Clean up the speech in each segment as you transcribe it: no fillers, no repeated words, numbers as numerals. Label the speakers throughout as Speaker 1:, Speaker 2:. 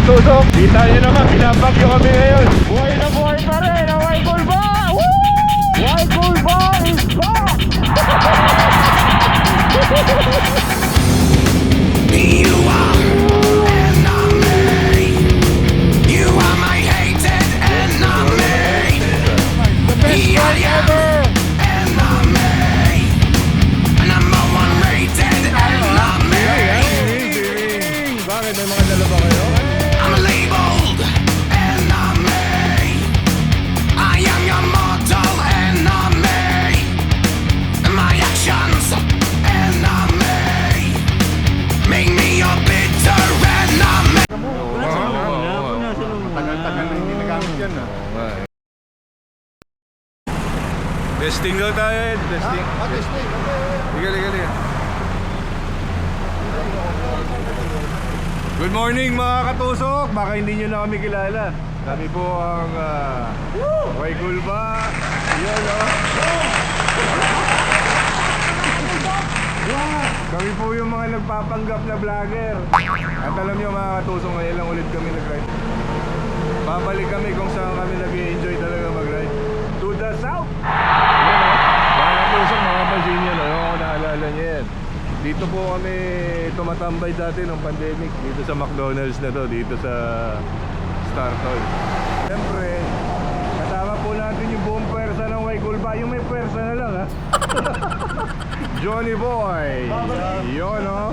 Speaker 1: katusok. Kita nyo naman, pinapagyo kami ngayon. Buhay na buhay pa rin ang White Gold Bar! Woo! White Gold Bar is back!
Speaker 2: You are enemy. You are my hated enemy.
Speaker 1: The best one ever!
Speaker 2: Enemy. Number one rated enemy.
Speaker 1: Bakit? May mga dala ba kayo?
Speaker 2: I'm labeled enemy. I am your mortal enemy. My actions enemy. Make me your bitter enemy.
Speaker 1: Tagal-tagal na hindi nagamit yan. Testing daw tayo, Ed. Testing.
Speaker 3: Testing.
Speaker 1: Liga. Good morning mga katusok. Baka hindi nyo na kami kilala. Kami po ang White Gold Bar. Yan Kami po yung mga nagpapanggap na vlogger. At alam nyo mga katusok, ngayon lang ulit kami nag-ride. Babalik kami kung saan kami nag-i-enjoy talaga mag-ride. To the south! Mga katusok, mga pansin nyo, kung naalala nyo yan. Dito po kami tumatambay dati nung pandemic. Dito sa McDonald's na to, dito sa Startol. Siyempre, kasama po natin yung buong pwersa ng White Gold Bar. Yung may pwersa na lang ha. Johnny Boy. Yun o.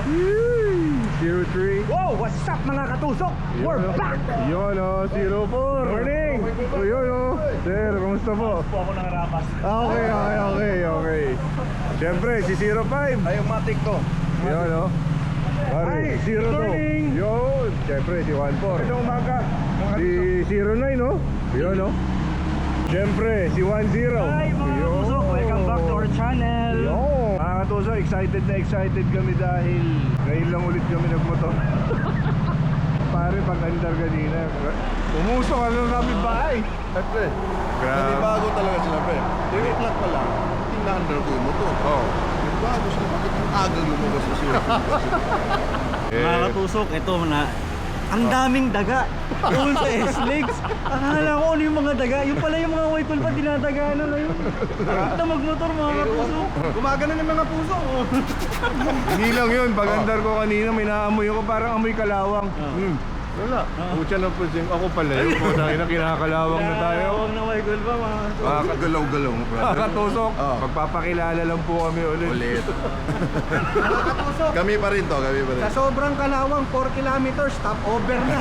Speaker 1: 03.
Speaker 3: Wow, what's up mga katusok? We're back!
Speaker 1: Yun o, 04. Morning! O yun o. Sir, kumusta po?
Speaker 3: Po ako nangarapas.
Speaker 1: Okay. Siyempre, si 05.
Speaker 3: Ay, yung matik ko.
Speaker 1: Yun o. Pare, 02. Yun. Siyempre, si 14.
Speaker 3: Ito umaga.
Speaker 1: Si 09 no? Yun no? Siyempre, si 10.
Speaker 3: Hi mga katusok, welcome back to our channel.
Speaker 1: Yun. Mga katusok, excited kami dahil ngayon lang ulit kami nagmotor. Pare, pag-andar kanina, umusok ka lang kami bahay.
Speaker 4: Siyempre, bago talaga sila, pre. 3 o'clock pa lang, ina-under ko yung motor.
Speaker 1: Oh.
Speaker 4: Bago sila, bakit ang aga lumabas na siya?
Speaker 3: Mga katusok, ito na. Ang daming daga doon sa S-Legs. Akala ko ano yung mga daga. Yung pala yung mga White Gold Bar, dinadaga na ngayon. Ito magmotor mga katusok. Gumagana ng mga puso.
Speaker 1: Hindi lang yun, pag-andar ko kanina, may naamoy ako parang amoy kalawang. Wala. Pucha na po dyan. Ako pala yun. Dahil na kinakalawang na tayo.
Speaker 3: Huwag na White Gold Bar mga
Speaker 4: Galaw-galaw, brother.
Speaker 1: Kakatusok, magpapakilala lang po kami ulit.
Speaker 3: katusok.
Speaker 4: Kami pa rin to, kami pa rin.
Speaker 3: Sa sobrang kalawang, 4 kilometers, stop over na.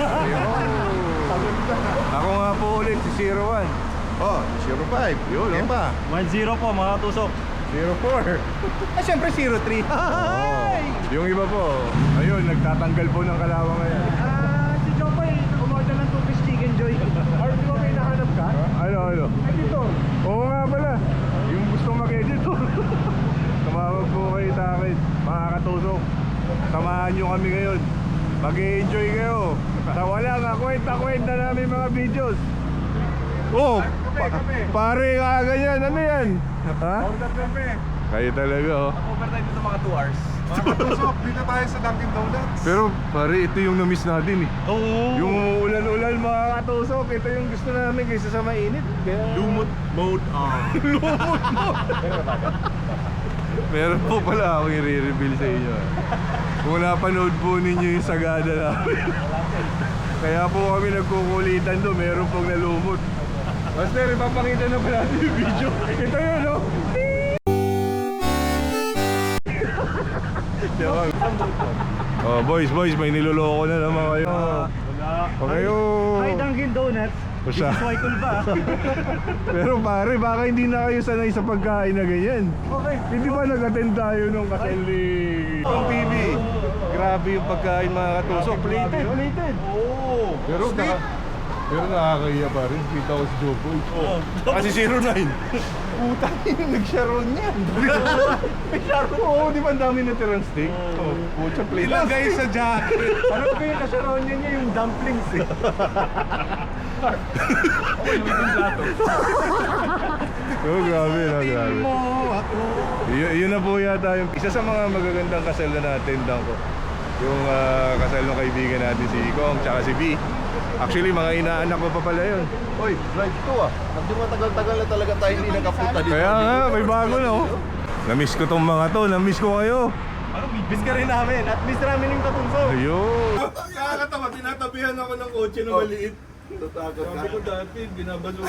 Speaker 1: Ako nga po ulit, si 01.
Speaker 4: Oh, 05.
Speaker 1: Yun,
Speaker 4: Okay
Speaker 1: oh.
Speaker 4: pa.
Speaker 3: 1-0 po mga katusok.
Speaker 1: 04.
Speaker 3: Siyempre 03. Hi!
Speaker 1: Yung iba po, ayun, nagtatanggal po ng kalawang ngayon.
Speaker 3: Si Jopay, umorder ng 2-piece chicken joy. Or di ba may nahanap ka?
Speaker 1: Ano?
Speaker 3: Ay dito.
Speaker 1: Oo nga pala, yung gusto mag-editor. Tumawag po kayo sa akin, mga katusok. Samahan nyo kami ngayon. Mag-i-enjoy kayo. Sa walang kwenta namin mga videos. Oh, pare nga ganyan, ano yan? Ha? Kayo talaga oh.
Speaker 3: Overtime dito mga 2 hours.
Speaker 4: Tusok, dito tayo sa Dunkin Donuts.
Speaker 1: Pero pare, ito yung na-miss natin eh.
Speaker 3: Oo.
Speaker 1: Yung ulan mga katusok, ito yung gusto namin kaysa sa mainit. Kaya...
Speaker 4: Lumot mode on.
Speaker 1: Lumot mo! Meron po pala akong i-reveal sa inyo. Kung napanood po ninyo yung sagada namin. Kaya po kami nagkukulitan doon, meron pong nalumot. Master, ipapakita na pala natin yung video. Ito yun, no? Oh, boys, may niloloko na naman kayo. Huwag kayo...
Speaker 3: Hi Dunkin Donuts. This
Speaker 1: Basta.
Speaker 3: is White Gold Bar.
Speaker 1: Pero pare, baka hindi na kayo sanay sa pagkain na ganyan.
Speaker 3: Okay.
Speaker 1: Hindi ba nag-attend tayo nung kasali ng TV? Grabe yung pagkain mga katusok. Plated.
Speaker 3: Oo.
Speaker 1: Pero nakakaya pa rin. Kita ko si Joboy. Kasi 09. Utang yung nag-sharon niyan. Oo, di ba ang dami natirang steak? Pucha, plated.
Speaker 4: Ilagay sa jacket.
Speaker 3: Ano ba yung kasyaron niya yung dumplings eh.
Speaker 1: Oh, grabe. Yun na po yata yung isa sa mga magagandang kasal na na-attendan ko. Yung kasal ng kaibigan natin si Kong tsaka si V. Actually, mga inaanak ko pa pala yun.
Speaker 4: Oy, drive to ah. Hindi matagal-tagal na talaga tayo hindi nakapunta dito.
Speaker 1: Kaya nga, may bago na oh. Namiss ko tong mga to, namiss ko kayo.
Speaker 3: Miss ka rin namin at miss namin yung katunso.
Speaker 1: Ayun.
Speaker 4: Nakakatawa, tinatabihan ako ng kotse na maliit. Tatakot ka. Sabi ko dati, binabalo.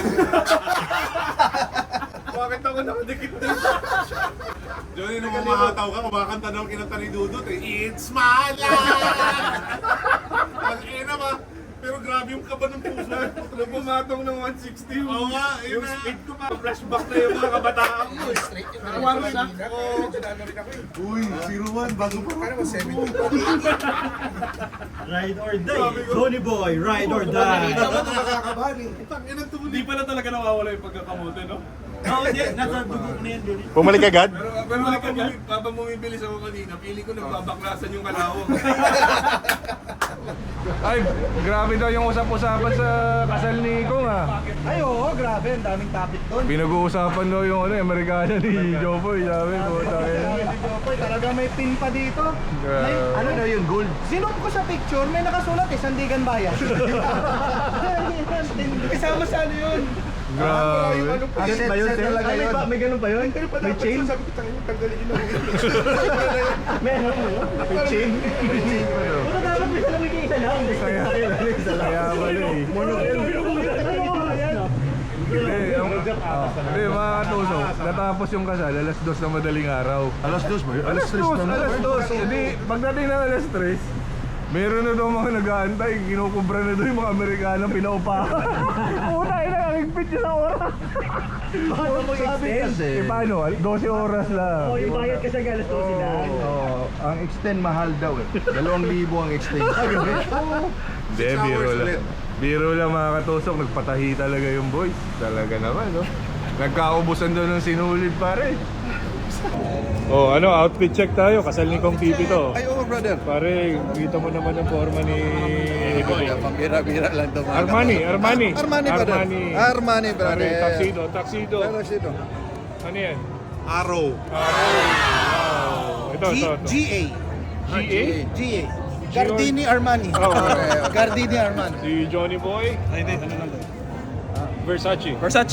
Speaker 4: Bakit ako nakadikit dito?
Speaker 5: Johnny, nung mamahataw ka, kumakanta daw kinanta ni Dudut eh. It's my life! Ang ba? Pero grabe yung kaba ng puso.
Speaker 4: Nung pumatong ng 160,
Speaker 5: Oo nga, yun
Speaker 4: yung
Speaker 5: na.
Speaker 4: speed ko pa. Flashback na yung mga kabataan ko eh.
Speaker 5: Uy, 01, bago pa rin.
Speaker 3: Ride or die. Tony Boy, ride or die.
Speaker 5: Nakakabahan eh. Inang tumuloy.
Speaker 4: Hindi pala talaga nawawala yung pagkakamote, no?
Speaker 3: Oo, hindi. Nasa dugo ko na yan, Johnny.
Speaker 1: Pumalik agad?
Speaker 4: Pero habang bumibilis ako kanina, pili ko nagbabaklasan yung kalawang.
Speaker 1: Ay, grabe daw yung usap-usapan sa kasal ni Kong ah.
Speaker 3: Ay, oo, grabe. Ang daming topic doon.
Speaker 1: Pinag-uusapan daw yung Amerikano ni Jopoy, sabi ko.
Speaker 3: Jopoy, talaga may pin pa dito. May,
Speaker 1: Grabe.
Speaker 3: ano daw yun, gold? Sinuot ko sa picture, may nakasulat Sandigan Bayan. Kasama sa ano yun?
Speaker 1: Grabe.
Speaker 3: Set ba yun, Sir? May ganun ba yun? May chain?
Speaker 4: Sabi ko, tangin, tanggalin yun.
Speaker 3: May ano mo yun? May chain? Puta dapat may salamig yung isa lang.
Speaker 1: Kaya pala eh. Hindi, mga katusok, natapos yung kasal, alas 2 na madaling araw.
Speaker 4: Alas 2 ba yun?
Speaker 1: Alas 2. Hindi, pagdating ng alas 3, meron na daw mga nag-aantay, kinukubra na daw yung mga Amerikano, pinaupahan. Una, nakakigpit niya sa oras.
Speaker 3: Paano mo i-extend?
Speaker 1: Eh, paano? 12 oras lang.
Speaker 3: Oo, yung bayad kasi galas to sila.
Speaker 4: Oo, ang extend mahal daw eh. 2,000 ang extend.
Speaker 1: Hindi, biro lang. Biro lang mga katusok, nagpatahi talaga yung boys. Talaga naman, no? Nagkaubusan daw ng sinulid pare. Oh, ano, outfit check tayo. Kasal ni Kong Pipi to.
Speaker 4: Ay, oo, brother.
Speaker 1: Pare, kita mo naman ang forma ni
Speaker 4: Pambira-bira lang to.
Speaker 1: Armani,
Speaker 4: Armani, brother. Armani, brother.
Speaker 1: Pare, tuxedo.
Speaker 4: Tuxedo.
Speaker 1: Ano yan?
Speaker 5: Arrow.
Speaker 1: Wow. Ito.
Speaker 6: GA.
Speaker 1: GA?
Speaker 6: GA. Gardini Armani.
Speaker 1: Oh,
Speaker 6: Gardini Armani.
Speaker 1: si Johnny Boy.
Speaker 3: Ay, hindi. Ano lang?
Speaker 1: Versace.
Speaker 3: Versace.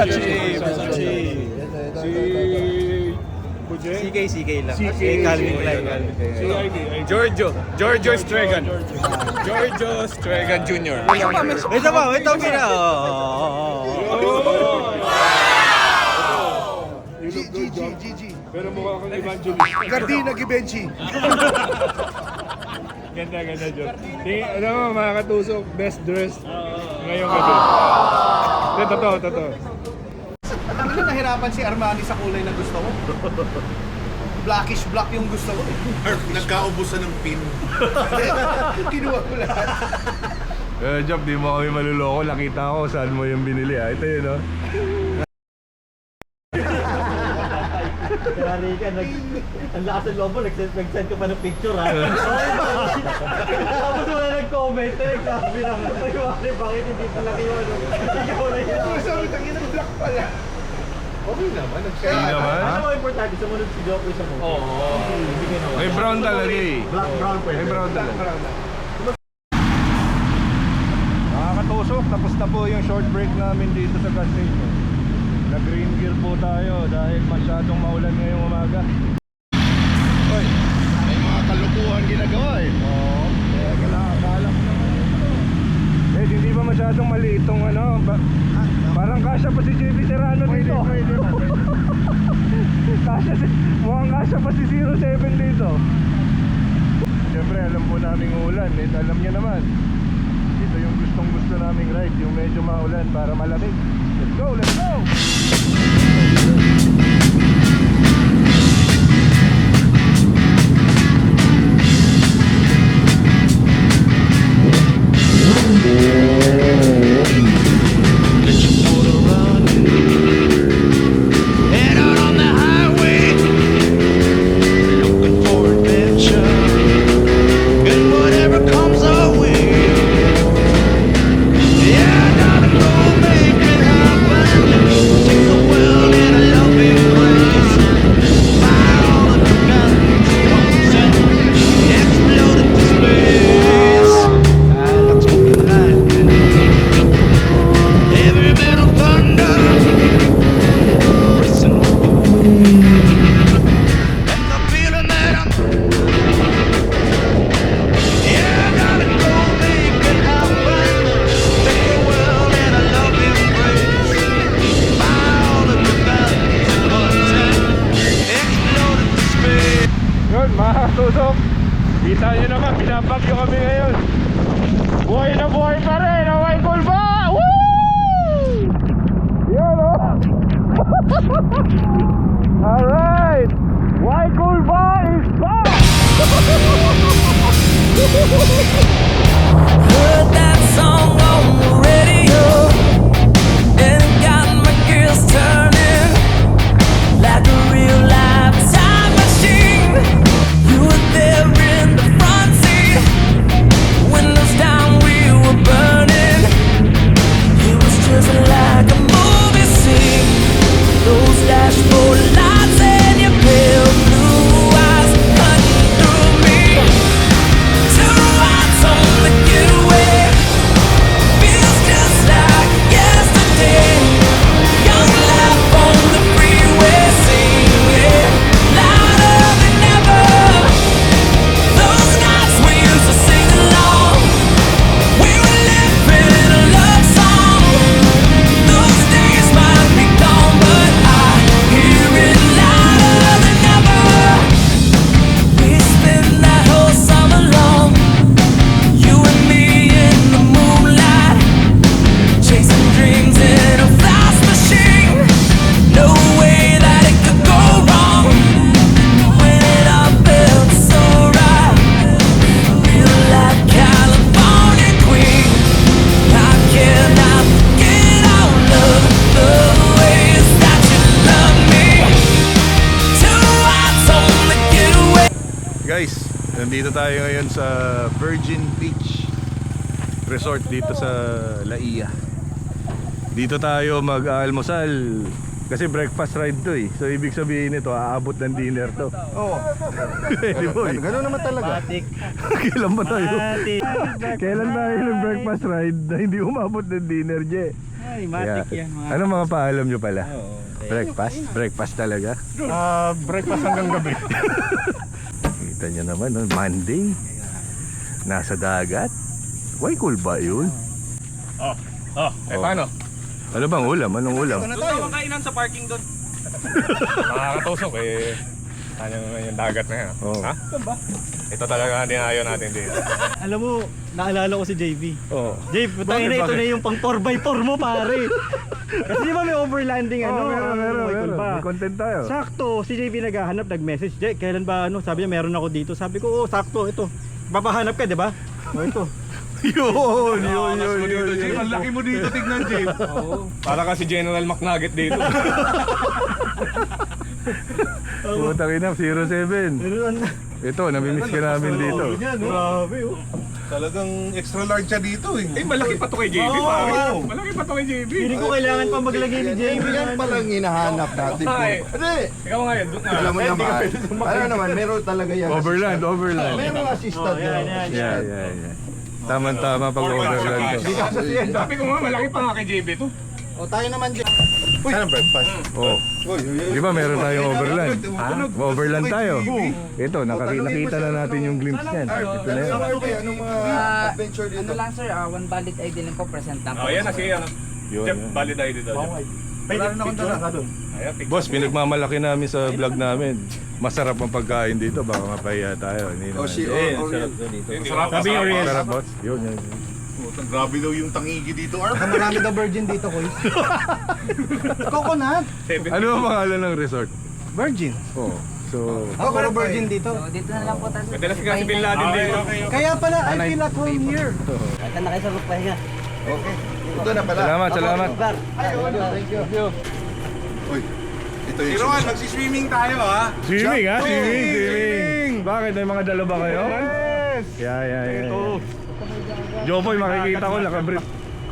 Speaker 1: Si Puje.
Speaker 3: CK lang.
Speaker 1: CK.
Speaker 3: Calvin Klein.
Speaker 1: Si ID.
Speaker 7: Giorgio Stregan. Giorgio Stregan Jr.
Speaker 3: Wait pa, wait pa.
Speaker 4: GG.
Speaker 1: Pero mukha kang evangelist.
Speaker 4: Gardina Givenchy.
Speaker 1: Ganda, John. Ano mo, mga katusok, best dressed ngayong gabi. Totoo.
Speaker 6: Alam mo, nahirapan si Armani sa kulay na gusto ko. Blackish black yung gusto ko.
Speaker 5: Nagkaubusan ng pin.
Speaker 6: Kinuha ko lahat.
Speaker 1: Job, di mo kami maluloko. Nakita ko saan mo yung binili. Ito yun, no?
Speaker 3: Kaya Rika, ang lakas ng lobo, nag-send ka pa ng picture ha. Tapos wala nag-comment, nagsabi lang, bakit hindi talaga yung ano, ikaw na yun.
Speaker 6: Sabi, tangin ng black pala.
Speaker 4: Okay naman.
Speaker 1: Hindi naman.
Speaker 3: Ano mo importante, sumunod si Jokoy sa mo? Oo.
Speaker 1: May brown talaga eh.
Speaker 3: Black, brown pwede.
Speaker 1: May brown talaga. Mga katusok, tapos na po yung short break namin dito sa gas station. Nag-green gear po tayo dahil masyadong maulan ngayong umaga.
Speaker 4: Oy, may mga kalukuhan ginagawa eh.
Speaker 1: Oo. Akala ko naman ito. Eh, hindi ba masyadong maliit tong ano? Parang kasya pa si JB Serrano dito. Mukhang kasya pa si 07 dito. Siyempre, alam po naming ulan. Eh, alam niya naman. Ito yung gustong gusto naming ride. Yung medyo maulan para malamig. Let's go, let's go!
Speaker 2: Head out on the highway, looking for adventure, and whatever comes our way. Yeah, I gotta go make it happen. Take the world in a love
Speaker 1: Nandito tayo ngayon sa Virgin Beach Resort dito sa Laia. Dito tayo mag-almusal kasi breakfast ride to eh. So ibig sabihin nito, aabot ng dinner to.
Speaker 4: Oo.
Speaker 1: Di ba eh?
Speaker 4: Ganun naman talaga.
Speaker 3: Matik.
Speaker 1: Kailan ba tayo?
Speaker 3: Matik.
Speaker 1: Kailan tayo nag-breakfast ride na hindi umabot ng dinner, Je?
Speaker 3: Ay, matik yan. Mga...
Speaker 1: Ano mga paalam nyo pala?
Speaker 3: Oo.
Speaker 1: Breakfast? Breakfast talaga?
Speaker 4: Breakfast hanggang gabi.
Speaker 1: Kita nyo naman, no? Monday. Nasa dagat. Why cool ba yun?
Speaker 7: Paano?
Speaker 1: Ano bang ulam? Anong ulam?
Speaker 7: Kainan sa parking doon. Nakakatusok eh. Ano naman yung dagat na yan?
Speaker 1: Oo.
Speaker 7: Ha? Ito talaga ang dinayo natin dito.
Speaker 3: Alam mo, naalala ko si JB.
Speaker 1: Oh.
Speaker 3: JB, putangin na ito na yung pang 4x4 mo pare. Kasi di ba may overlanding ano? Waikul ba?
Speaker 1: May content tayo.
Speaker 3: Sakto, si JB naghahanap, nag-message. Jay, kailan ba ano? Sabi niya meron ako dito. Sabi ko, oh, sakto, ito. Papahanap ka, di ba? Oh, ito.
Speaker 1: Yun.
Speaker 5: Ang laki mo dito, tignan, Jay.
Speaker 7: Para kasi General McNugget dito.
Speaker 1: Putang ina, 07. Ito, namimiss ka namin dito.
Speaker 3: Grabe, oh.
Speaker 5: Talagang extra large siya dito eh.
Speaker 7: Eh, malaki pa to kay JB, pare. Malaki pa to kay JB.
Speaker 3: Feeling ko kailangan pa maglagay ni JB.
Speaker 4: Yan palang hinahanap natin.
Speaker 7: Ay.
Speaker 4: Hindi.
Speaker 7: Ikaw nga yun.
Speaker 4: Alam mo naman. Alam naman, meron talaga yan.
Speaker 1: Overland.
Speaker 4: Merong assistant
Speaker 3: yan,
Speaker 4: yan.
Speaker 3: yan.
Speaker 1: Yeah. Tama-tama pag overland to.
Speaker 7: Sabi ko nga, malaki pa nga kay JB to.
Speaker 6: O tayo naman dyan.
Speaker 4: Anong breakfast?
Speaker 1: Oh. Di ba meron tayong overland? Overland tayo. Ito, nakita na natin yung glimpse niyan. Ito na yun.
Speaker 4: Anong mga adventure
Speaker 8: Ano
Speaker 4: dito?
Speaker 8: lang sir, one valid ID lang po, present lang po.
Speaker 7: Oh, yan na si ano.
Speaker 1: Yun,
Speaker 7: Jeff,
Speaker 1: yun.
Speaker 7: valid ID daw.
Speaker 6: Wala rin akong dala.
Speaker 7: Ayan, picture.
Speaker 1: Boss, pinagmamalaki namin sa vlog namin. Masarap ang pagkain dito. Baka mapahiya tayo. Hindi
Speaker 4: O
Speaker 1: naman.
Speaker 4: si Oriel.
Speaker 7: Sarap
Speaker 3: Sabi yung Oriel.
Speaker 1: Masarap, boss. Yun.
Speaker 5: Grabe daw yung tangigi dito, Arp.
Speaker 6: Marami daw virgin dito, Koy. Coconut.
Speaker 1: Ano ang pangalan ng resort?
Speaker 6: Virgin.
Speaker 1: Oh. So,
Speaker 6: Puro virgin dito.
Speaker 8: So dito na lang po tayo.
Speaker 7: Pwede na si Bin Laden dito.
Speaker 6: Kaya pala, I feel at home here.
Speaker 8: Kaya na kayo sa pahinga.
Speaker 4: Okay. Ito na pala.
Speaker 1: salamat.
Speaker 4: Thank you. Uy, ito yung
Speaker 5: Ron, magsiswimming tayo ha.
Speaker 1: Swimming ha? Swimming. Bakit? May mga dala ba kayo?
Speaker 5: Yes!
Speaker 1: Yeah. Jopoy, makikita ko nakabrief.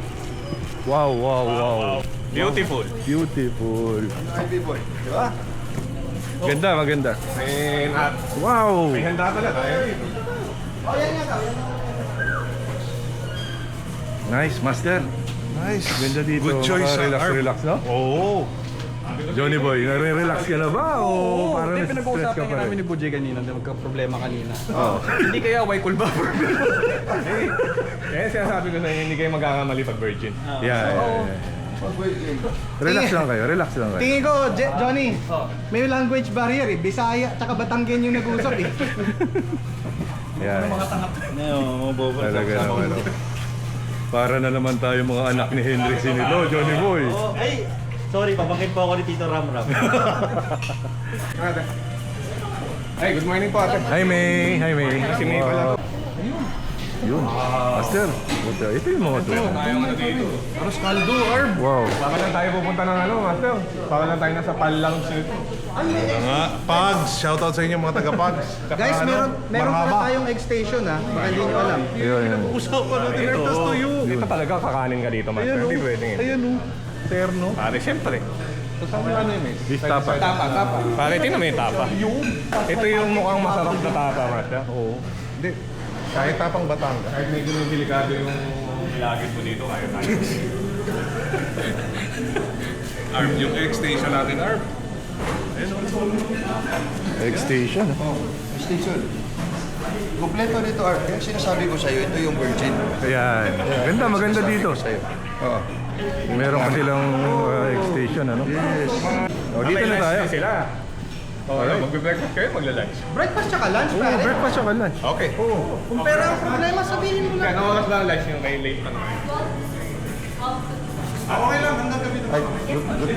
Speaker 1: Wow.
Speaker 7: Beautiful.
Speaker 1: Beautiful.
Speaker 4: Baby boy. Di ba?
Speaker 1: Maganda.
Speaker 7: And at
Speaker 1: Wow.
Speaker 7: may handa talaga.
Speaker 1: Nice, master.
Speaker 4: Nice.
Speaker 1: Ganda dito.
Speaker 5: Good choice,
Speaker 1: Relax, no?
Speaker 5: Oo.
Speaker 1: Johnny Boy, nare-relax ka na ba? O parang
Speaker 6: Hindi,
Speaker 1: stress
Speaker 6: pinag-uusapan
Speaker 1: ka
Speaker 6: nga
Speaker 1: pa
Speaker 6: namin
Speaker 1: rin?
Speaker 6: ni Bujay kanina, magka-problema kanina.
Speaker 1: Oo.
Speaker 7: Hindi kaya Waikul ba? Eh, sinasabi ko sa inyo, hindi kayo magkakamali pag virgin.
Speaker 1: Yeah. Relax lang kayo.
Speaker 6: Tingin ko, Johnny, may language barrier eh. Bisaya, tsaka Batanggen yung nag-uusap eh.
Speaker 1: Yeah.
Speaker 3: No, bobo.
Speaker 1: Talaga naman. Oh. Para na naman tayo mga anak ni Henry Sinilo, Johnny Boy.
Speaker 3: Oh, ay, sorry, pabangkit po ako ni Tito Ram.
Speaker 7: Hey, good morning po ate.
Speaker 1: Hi May.
Speaker 7: Si May pala.
Speaker 1: Yun. Master. Buta. Ito yung mga to.
Speaker 7: Tayong ano dito.
Speaker 5: Aros kaldo, Arp.
Speaker 1: Wow.
Speaker 7: Baka lang tayo pupunta ng ano, master. Baka lang tayo nasa Pal Lounge nito.
Speaker 5: Mga Pugs, shoutout sa inyo mga taga-Pugs.
Speaker 6: Guys, meron pala tayong egg-station ha. Baka hindi nyo alam.
Speaker 1: Yun.
Speaker 5: Usapan natin, Arp, to you.
Speaker 7: Ito talaga kakanin ka dito, master. Hindi pwedeng yun.
Speaker 5: Ayan o. Terno.
Speaker 7: Pare, siyempre.
Speaker 5: Ano yun eh?
Speaker 1: Beef tapa.
Speaker 7: Pare, tingnan mo yung tapa. Ito yung mukhang masarap na tapa, master.
Speaker 5: Oo. Hindi. Kahit tapang Batangas.
Speaker 7: Kahit medyo delikado yung ilagit mo dito, kaya tayo.
Speaker 5: Arp, yung X-Station natin, Arp.
Speaker 1: Egg station.
Speaker 4: Station. Kompleto dito, Art. Kaya sinasabi ko sa'yo, ito yung virgin.
Speaker 1: Ayan. Maganda dito.
Speaker 4: Sa'yo. Oo.
Speaker 1: Meron pa silang egg station, ano?
Speaker 4: Yes.
Speaker 1: O, dito na tayo.
Speaker 7: Sila. Okay, magbe-breakfast kayo, magla-lunch.
Speaker 6: Breakfast tsaka lunch,
Speaker 1: Oo,
Speaker 6: pare.
Speaker 1: breakfast siya lunch.
Speaker 7: Okay.
Speaker 6: Kung pera ang problema, sabihin mo lang.
Speaker 7: Kaya oras na ang lunch yung kayo late pa naman.
Speaker 5: Okay lang, hanggang gabi naman.
Speaker 1: Ay, good.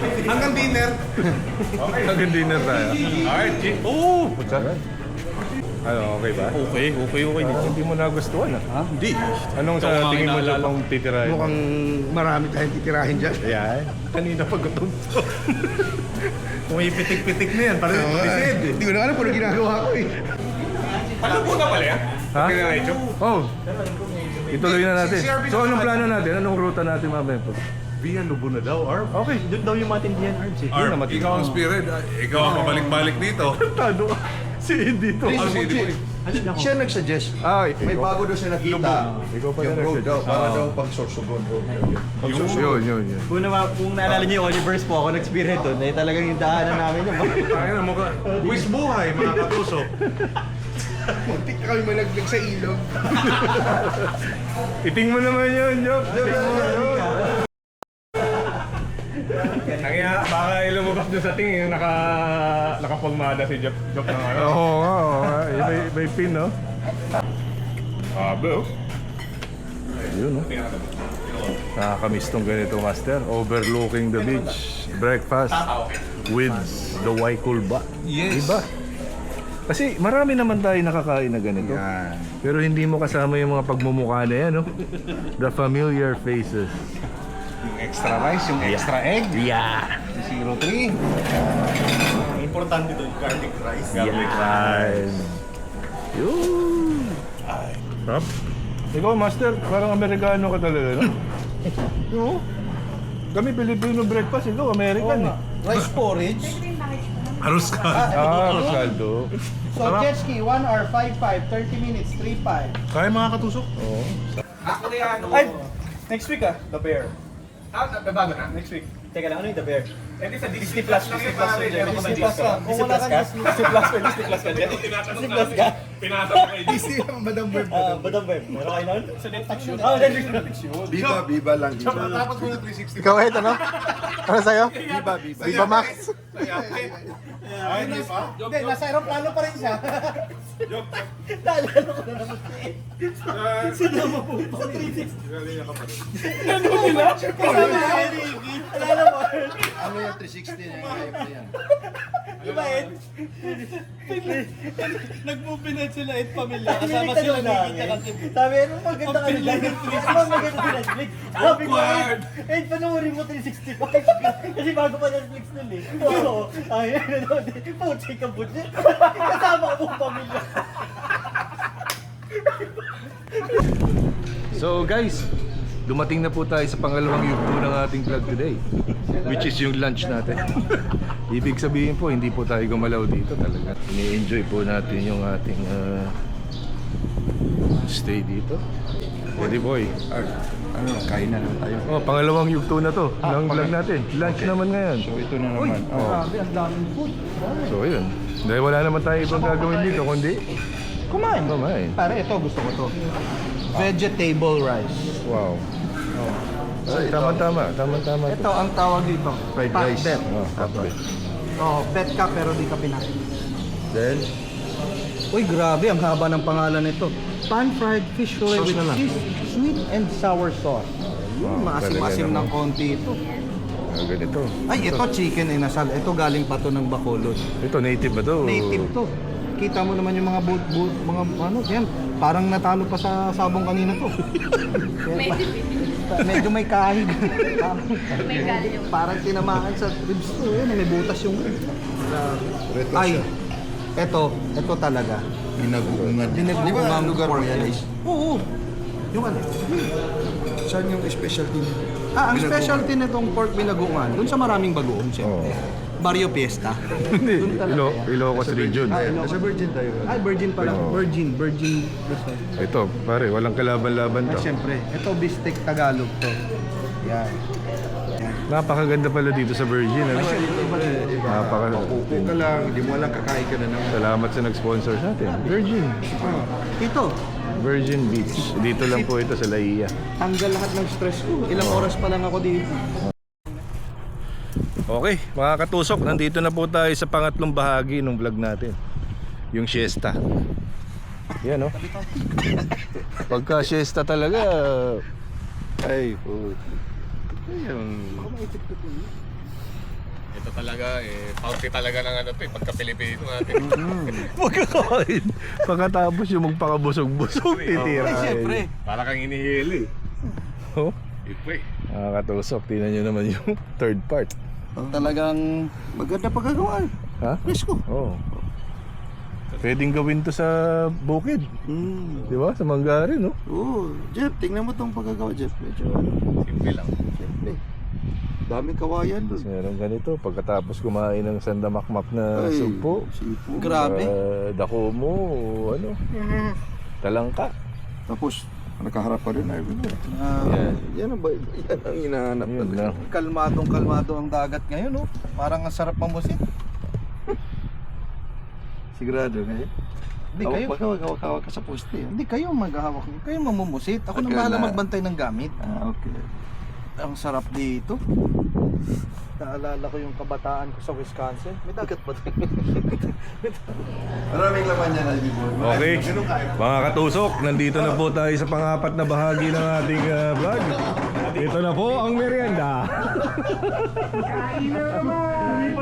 Speaker 5: Hanggang dinner.
Speaker 7: Okay.
Speaker 1: Hanggang dinner tayo.
Speaker 7: Alright, G.
Speaker 1: Oh! What's that? Ano, okay ba?
Speaker 7: Okay dito.
Speaker 1: Hindi mo nagustuhan ah.
Speaker 7: Hindi.
Speaker 1: Anong
Speaker 7: Ikaw
Speaker 1: sa
Speaker 7: nga
Speaker 1: tingin mo
Speaker 7: inaalala
Speaker 1: dyan pang titirahin?
Speaker 4: Mukhang marami tayong titirahin dyan.
Speaker 1: Yan. Kanina pa gutom to.
Speaker 7: Pumipitik-pitik na yan. Parang
Speaker 4: Hindi ko na alam kung ano ginagawa ko eh.
Speaker 7: Ano po na pala yan?
Speaker 1: Ha? Oh. Ituloy na natin. So anong plano natin? Anong ruta natin mamaya po?
Speaker 7: Via Lubo na daw, Arb.
Speaker 1: Okay.
Speaker 3: Doon daw yung matindihan arms eh.
Speaker 1: Yun na
Speaker 5: Arb,
Speaker 1: matindi.
Speaker 5: ikaw ang spirit. Ikaw ang pabalik-balik dito.
Speaker 1: Tado. Si Indy to.
Speaker 5: Ah, si Boy.
Speaker 4: Siya nagsuggest.
Speaker 1: Ay,
Speaker 4: May bago daw siya nakita.
Speaker 1: Ikaw pa
Speaker 4: Yung
Speaker 1: na
Speaker 4: road daw, para
Speaker 1: Oo.
Speaker 4: daw pagsorsogon.
Speaker 1: Yun.
Speaker 3: Kung naalala niyo yung Oliver's po, ako nag-spirit doon. Eh talagang yung daanan namin yun.
Speaker 5: Tayo na mukha. Quiz buhay, mga katusok.
Speaker 4: Muntik na kami malaglag sa ilog.
Speaker 1: Iting mo naman yun, Job. Iting mo yun.
Speaker 7: Kaya baka lumabas doon sa tingin nakapagmada si Job ng ano.
Speaker 1: Oo nga. May pin, no?
Speaker 7: Bro.
Speaker 1: Yun, no? Nakakamiss tong ganito, Master. Overlooking the beach. Breakfast with the Waikulba.
Speaker 5: Yes.
Speaker 1: Diba? Kasi marami naman tayo nakakain na ganito. Pero hindi mo kasama yung mga pagmumukha na yan, no? The familiar faces.
Speaker 6: Yung extra rice, yung extra egg.
Speaker 1: Yeah!
Speaker 6: 03.
Speaker 3: Importante doon, garlic rice.
Speaker 1: Yan! Yun! Sarap. Ikaw, Master, parang Amerikano ka talaga, no? Oo. Kami Filipino breakfast, ikaw American eh.
Speaker 6: Rice porridge.
Speaker 5: Arus ka.
Speaker 1: Rosaldo.
Speaker 6: So jet ski, 1 hour, 5.5, 30 minutes, 3.5.
Speaker 5: Kaya mga katusok?
Speaker 1: Oo.
Speaker 3: Ay! Next week The Bear.
Speaker 6: Bago na.
Speaker 3: Next week. Teka lang, ano yung The Bear?
Speaker 5: Disney Plus.
Speaker 3: Disney Plus ka.
Speaker 6: Disney Plus ka. Kung wala ka Disney Plus ka.
Speaker 5: Pinasa ko kay
Speaker 6: Disney ang Madam Bird.
Speaker 3: Badang Bear. Meron kayo nun? Sa Netflix yun.
Speaker 4: Biba lang, biba.
Speaker 5: Tapos mo na 360.
Speaker 4: Ikaw, Ed, ano? Ano sa'yo? Biba. Biba Max.
Speaker 5: Ay, hindi pa?
Speaker 6: Hindi, nasa aeroplano pa rin siya. Naalala ko na naman. Sinama po pa.
Speaker 3: Alala mo?
Speaker 4: Ano yung 360 na yung yan?
Speaker 3: Diba, Ed?
Speaker 8: Nag-movie sila at pamilya.
Speaker 3: Kasama sila namin. Sabi, ano maganda ka nila? Ano maganda sa Netflix? Sabi ko, Ed, panoorin mo 365. Kasi bago pa Netflix nun eh. Oo. Ay, ano, puti ka budget. Kasama ko mong pamilya.
Speaker 1: So guys, dumating na po tayo sa pangalawang yugto ng ating vlog today, which is yung lunch natin. Ibig sabihin po, hindi po tayo gumalaw dito talaga. Ini-enjoy po natin yung ating stay dito. Pwede boy.
Speaker 4: Ano, kain na lang tayo.
Speaker 1: Oh, pangalawang yugto na to ng vlog natin. Lunch naman ngayon.
Speaker 4: So ito na naman.
Speaker 6: Grabe, ang daming food.
Speaker 1: So yun. Dahil wala naman tayo ibang gagawin dito, kundi
Speaker 6: Kumain.
Speaker 1: kumain.
Speaker 6: Pare, ito gusto ko to. Vegetable rice.
Speaker 1: Wow. Ay, tama-tama. Tama-tama.
Speaker 6: Ito ang tawag dito.
Speaker 4: Fried
Speaker 6: Pat
Speaker 4: rice.
Speaker 6: bet.
Speaker 1: Oh, kapit.
Speaker 6: Oh, pet ka pero di ka pinain.
Speaker 4: Then,
Speaker 6: Uy, grabe, ang haba ng pangalan nito. Pan-fried fish fillet
Speaker 4: Sauce
Speaker 6: with
Speaker 4: na lang.
Speaker 6: cheese, sweet and sour sauce. Yun, maasim-asim
Speaker 1: talaga
Speaker 6: ng
Speaker 1: naman.
Speaker 6: konti ito.
Speaker 1: Ganito.
Speaker 6: Ay, ito chicken inasal. Ito galing pa to ng Bacolod.
Speaker 1: Ito, native ba to?
Speaker 6: Native to. Kita mo naman yung mga mga ano, yan. Parang natalo pa sa sabong kanina to. Medyo may kahig. Parang tinamaan sa ribs to. Yun, may butas yung...
Speaker 4: reto
Speaker 6: Ay,
Speaker 4: siya.
Speaker 6: ito talaga.
Speaker 4: Dinagugungan. Di ba
Speaker 6: Dinugugang
Speaker 4: lugar mo
Speaker 6: pork
Speaker 4: yan?
Speaker 6: rice. Oo. Yung ano?
Speaker 4: Saan yung specialty niya?
Speaker 6: Ang
Speaker 4: Binagungan.
Speaker 6: specialty nitong pork binagungan, dun sa maraming bagoong siyempre. Barrio Fiesta.
Speaker 1: Hindi,
Speaker 6: Dun talaga yan.
Speaker 1: Ilocos region.
Speaker 4: Nasa Virgin tayo.
Speaker 6: Ay, virgin pala.
Speaker 1: Oo.
Speaker 6: Virgin.
Speaker 1: Ito, pare, walang kalaban-laban
Speaker 6: Ay,
Speaker 1: to.
Speaker 6: siyempre. Ito, bistek Tagalog to. Yan.
Speaker 1: Napakaganda pala dito sa Virgin. Ano?
Speaker 4: Kuko ka lang, hindi mo alam kakain ka na naman.
Speaker 1: Salamat sa nag-sponsor sa atin. Virgin.
Speaker 6: Ito,
Speaker 1: Virgin Beach. Dito lang po ito sa Laia.
Speaker 6: tanggal lahat ng stress ko. Ilang oras pa lang ako dito.
Speaker 1: Okay, mga katusok, nandito na po tayo sa pangatlong bahagi ng vlog natin. Yung siesta. Yan, no? Pagka siesta talaga, ay, po. Ayun.
Speaker 7: Ito talaga, party talaga ng ano to, pagka-Pilipino natin.
Speaker 1: Pagkakain. Pagkatapos yung magpakabusog-busog, titira.
Speaker 6: Ay, siyempre.
Speaker 7: Para kang inihili.
Speaker 1: Oh,
Speaker 7: Ito eh.
Speaker 1: nakakatusok. Tingnan nyo naman yung third part.
Speaker 6: Talagang maganda pagkagawa.
Speaker 1: Ha?
Speaker 6: Presko.
Speaker 1: Oo. Pwedeng gawin to sa bukid. Di ba? Sa Manggarin, no?
Speaker 6: Oo, Jeff, tingnan mo tong pagkagawa, Jeff. Medyo,
Speaker 7: Simple lang.
Speaker 6: siyempre. Daming kawayan doon.
Speaker 1: Meron ganito. Pagkatapos kumain ng sandamakmak na
Speaker 6: Ay,
Speaker 1: sugpo.
Speaker 6: sipo. Grabe.
Speaker 1: Dako mo, ano? Talangka.
Speaker 4: Tapos, nakaharap pa rin ay
Speaker 1: Yan.
Speaker 4: yan ang hinahanap
Speaker 1: Yun
Speaker 4: talaga.
Speaker 1: lang.
Speaker 6: Kalmadong-kalmado ang dagat ngayon, no? Parang ang sarap mamusit.
Speaker 4: Sigurado kayo?
Speaker 6: Hindi kayo.
Speaker 4: Hawak-hawak ka sa poste.
Speaker 6: Hindi kayo maghahawak. Kayo mamumusit. Ako nang
Speaker 4: Pagka
Speaker 6: bahala
Speaker 4: na-
Speaker 6: magbantay ng gamit.
Speaker 4: Okay.
Speaker 6: Ang sarap dito. Naalala ko yung kabataan ko sa Wisconsin. May dagat pa doon.
Speaker 4: Maraming laman yan, Ivy Boy.
Speaker 1: Okay, mga katusok, nandito na po tayo sa pang-apat na bahagi ng ating vlog. Ito na po ang merienda. Kain na naman!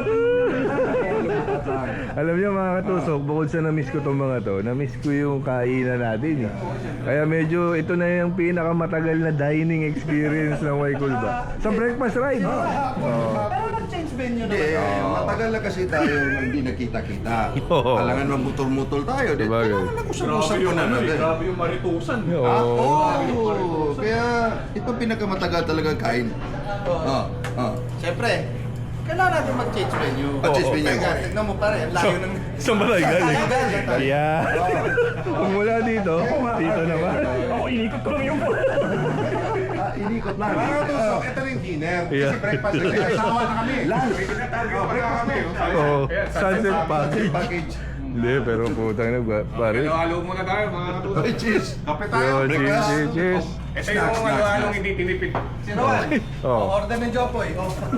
Speaker 1: Alam niyo mga katusok, bukod sa na-miss ko itong mga to, na-miss ko yung kainan natin. Kaya medyo ito na yung pinakamatagal na dining experience ng Waikulba. Sa breakfast ride.
Speaker 6: Pero nag-change venue na.
Speaker 4: Hindi, matagal na kasi tayo hindi nakita-kita.
Speaker 1: Oo.
Speaker 4: Alangan mamutol-mutol tayo. Di
Speaker 1: Diba,
Speaker 4: kailangan
Speaker 1: guys?
Speaker 4: nag-usap-usap ko na natin.
Speaker 7: yung maritusan.
Speaker 4: Oo, kaya ito pinakamatagal talaga kain.
Speaker 6: Siyempre, kailangan natin mag-change venue.
Speaker 4: Change venue.
Speaker 6: Teka, tignan mo pare, ang layo ng...
Speaker 1: Sa malay galing. Yeah. Kung mula dito, dito naman. Ako inikot ko lang yung
Speaker 4: Inikot lang.
Speaker 5: Mga tusok, ito rin dinner.
Speaker 1: Yeah.
Speaker 5: Kasi breakfast kasi asawa na kami. Lunch. Breakfast na yun.
Speaker 1: Oh, sunset package.
Speaker 4: Package.
Speaker 1: Hindi, pero putang na, pare.
Speaker 7: Halo muna tayo mga katusok.
Speaker 4: Ay, cheese.
Speaker 5: Kape tayo.
Speaker 1: Yo, cheers, cheers.
Speaker 7: Ito yung halo-halong hindi tinipid.
Speaker 6: Si Rowan,
Speaker 1: Oh.
Speaker 6: order ng Jopoy.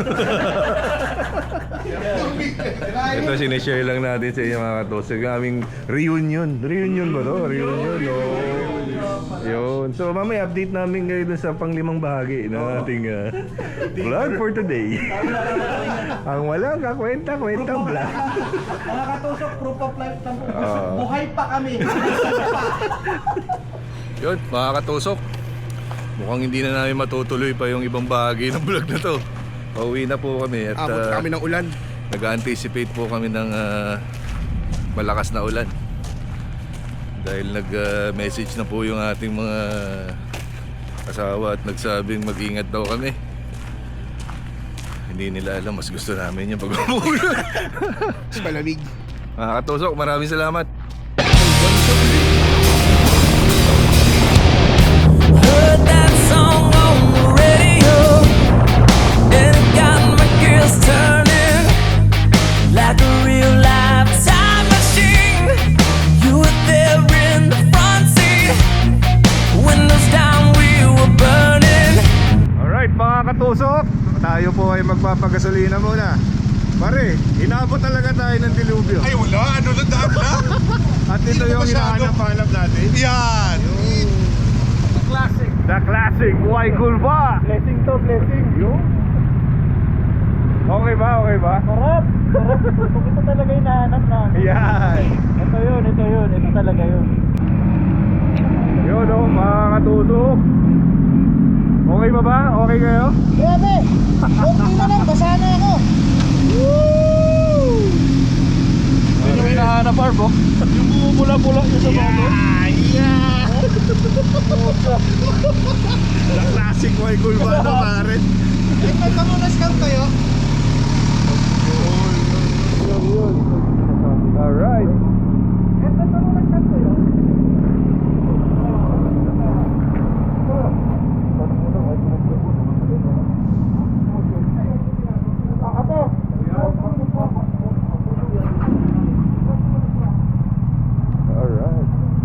Speaker 1: Ito sinishare lang natin sa inyo mga katusok. Yung aming reunion. Reunion ba to? Reunion, oh. Yun. So mamaya update namin kayo dun sa pang-limang bahagi ng ating vlog for today. Ang walang kakwenta-kwentang vlog.
Speaker 6: Mga katusok, proof of life.
Speaker 1: Ah.
Speaker 6: Buhay pa kami.
Speaker 1: Yun, mga katusok. Mukhang hindi na namin matutuloy pa yung ibang bahagi ng vlog na to. Pauwi na po kami at
Speaker 4: Kami ng ulan.
Speaker 1: nag-anticipate po kami ng malakas na ulan. Dahil nag-message na po yung ating mga asawa at nagsabing mag-ingat daw kami. Hindi nila alam, mas gusto namin yung pag-umulan.
Speaker 4: Sa malamig.
Speaker 1: Mga katusok, maraming salamat.
Speaker 2: Heard that song on the radio, and it got my gears turning like a real life time machine. You were there in the front seat, windows down, we were burning.
Speaker 1: Alright mga katusok, tayo po ay magpapagasolina muna. Pare, inabot talaga tayo ng dilubyo.
Speaker 5: Ay wala, ano na daan na?
Speaker 1: At ito yung hinahanap-hanap natin.
Speaker 5: Yan!
Speaker 1: The classic Waikulba.
Speaker 3: Blessing to, blessing.
Speaker 1: Yung? Okay ba? Okay ba?
Speaker 3: Sarap! Sarap! Ito talaga yung nahanap namin.
Speaker 1: Yan.
Speaker 3: Ito yun, ito yun. Ito talaga yun.
Speaker 1: Yun o, mga katusok. Okay ba ba? Okay kayo?
Speaker 3: Grabe! Okay na lang, basa na ako. Yun yung hinahanap, Arbo. Yung bumula-bula yung sa mga
Speaker 1: The classic Waikulba na pare.
Speaker 6: Ay, may pamunas kang tayo.
Speaker 1: Alright.
Speaker 6: May pamunas kang tayo.
Speaker 1: Alright.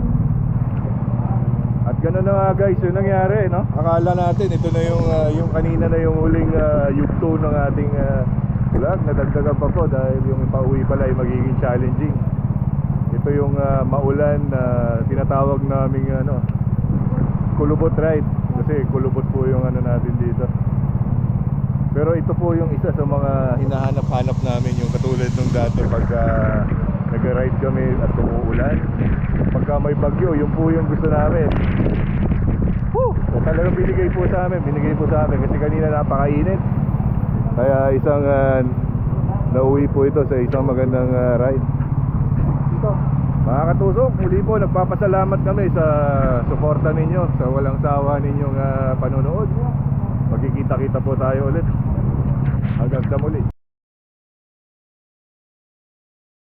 Speaker 1: At gano'n na nga guys, yung nangyari, no? Akala natin ito na yung kanina na yung huling yugto ng ating vlog. Nadagdagan pa po dahil yung pauwi pala ay magiging challenging. Ito yung maulan na tinatawag naming kulubot ride. Kasi kulubot po yung natin dito. Pero ito po yung isa sa mga hinahanap-hanap namin, yung katulad nung dati pagka nag-ride kami at umuulan. Pagka may bagyo, yun po yung gusto namin. Woo! So, talagang binigay po sa amin kasi kanina napakainit. Kaya isang nauwi po ito sa isang magandang ride. Mga katusok, muli po nagpapasalamat kami sa suporta ninyo, sa walang sawa ninyong panonood. Magkikita-kita po tayo ulit. Hanggang sa muli.